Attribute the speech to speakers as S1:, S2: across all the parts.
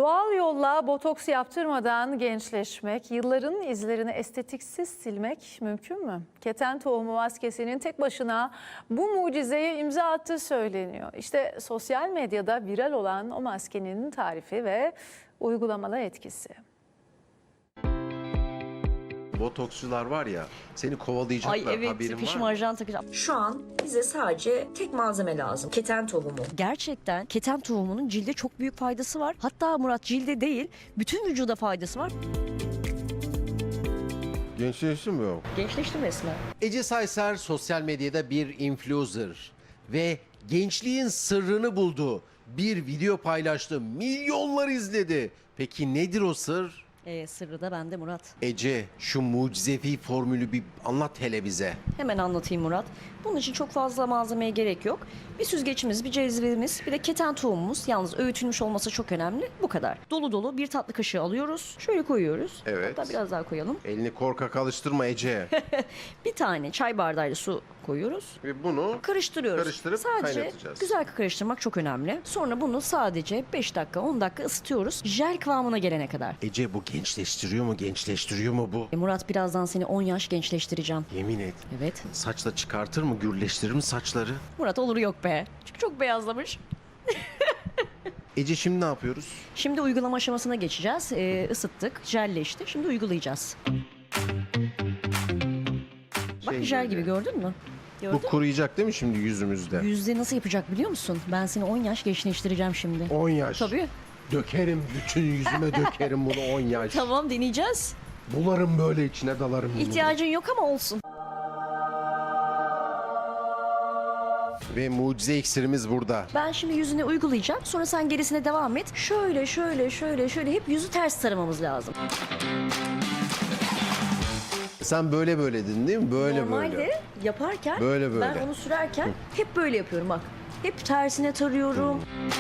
S1: Doğal yolla botoks yaptırmadan gençleşmek, yılların izlerini estetiksiz silmek mümkün mü? Keten tohumu maskesinin tek başına bu mucizeye imza attığı söyleniyor. İşte sosyal medyada viral olan o maskenin tarifi ve uygulamalı etkisi.
S2: Botoksçular var ya, seni kovalayacaklar,
S3: Ay evet,
S2: haberin var
S3: fişim
S2: mı?
S3: ajan takacağım.
S4: Şu an bize sadece tek malzeme lazım. Keten tohumu.
S3: Gerçekten keten tohumunun cilde çok büyük faydası var. Hatta Murat, cilde değil, bütün vücuda faydası var.
S2: Gençleştin mi o?
S3: Gençleştim resmen.
S2: Ece Sayser sosyal medyada bir influencer ve gençliğin sırrını buldu. Bir video paylaştı, milyonlar izledi. Peki nedir o sır?
S3: Sırrı da bende Murat.
S2: Ece, şu mucizevi formülü bir anlat hele bize.
S3: Hemen anlatayım Murat. Bunun için çok fazla malzemeye gerek yok. Bir süzgeçimiz, bir cezvemiz, bir de keten tohumumuz. Yalnız öğütülmüş olması çok önemli. Bu kadar. Dolu dolu bir tatlı kaşığı alıyoruz. Şöyle koyuyoruz.
S2: Evet.
S3: Hatta biraz daha koyalım.
S2: Elini korkak alıştırma Ece.
S3: Bir tane çay bardağıyla su koyuyoruz.
S2: Ve bunu
S3: Karıştırıyoruz.
S2: Karıştırıp
S3: sadece
S2: kaynatacağız.
S3: güzel karıştırmak çok önemli. Sonra bunu sadece 5 dakika 10 dakika ısıtıyoruz. Jel kıvamına gelene kadar.
S2: Ece, bu gençleştiriyor mu bu?
S3: Murat, birazdan seni 10 yaş gençleştireceğim.
S2: Yemin et.
S3: Evet.
S2: Saçla çıkartır mı, gürleştirir mi saçları?
S3: Murat, olur yok be. Çünkü çok beyazlamış.
S2: Ece, şimdi ne yapıyoruz?
S3: Şimdi uygulama aşamasına geçeceğiz. Isıttık, jelleşti. Şimdi uygulayacağız. Bak,
S2: Şey
S3: jel
S2: böyle.
S3: gibi, gördün mü?
S2: Bu
S3: Gördün mü?
S2: kuruyacak değil mi şimdi yüzümüzde?
S3: Yüzde nasıl yapacak biliyor musun? Ben seni 10 yaş gençleştireceğim şimdi.
S2: 10 yaş.
S3: Tabii.
S2: Dökerim, bütün yüzüme dökerim bunu 10 yaş.
S3: Tamam, deneyeceğiz.
S2: Bularım böyle, içine dalarım. bunu.
S3: İhtiyacın yok ama olsun.
S2: Ve mucize iksirimiz burada.
S3: Ben şimdi yüzüne uygulayacağım. Sonra sen gerisine devam et. Şöyle hep yüzü ters taramamız lazım.
S2: Sen böyle dedin değil mi? Böyle
S3: Normalde
S2: böyle.
S3: yaparken
S2: Böyle.
S3: ben onu sürerken hep böyle yapıyorum bak. Hep tersine tarıyorum.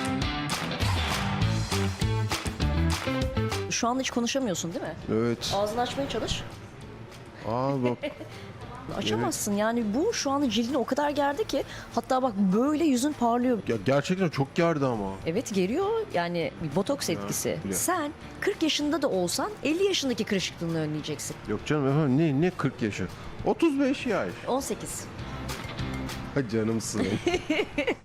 S3: Şu anda hiç konuşamıyorsun değil mi?
S2: Evet.
S3: Ağzını açmaya çalış.
S2: Aa bak.
S3: Açamazsın yani, bu şu anda cildini o kadar gerdi ki, hatta bak böyle yüzün parlıyor.
S2: Ya gerçekten çok gerdi ama.
S3: Evet, geriyor yani, bir botoks etkisi.
S2: biliyorum.
S3: Sen 40 yaşında da olsan 50 yaşındaki kırışıklığını önleyeceksin.
S2: Yok canım efendim, ne 40 yaşı? 35 yaş.
S3: 18.
S2: Ha, canımsın.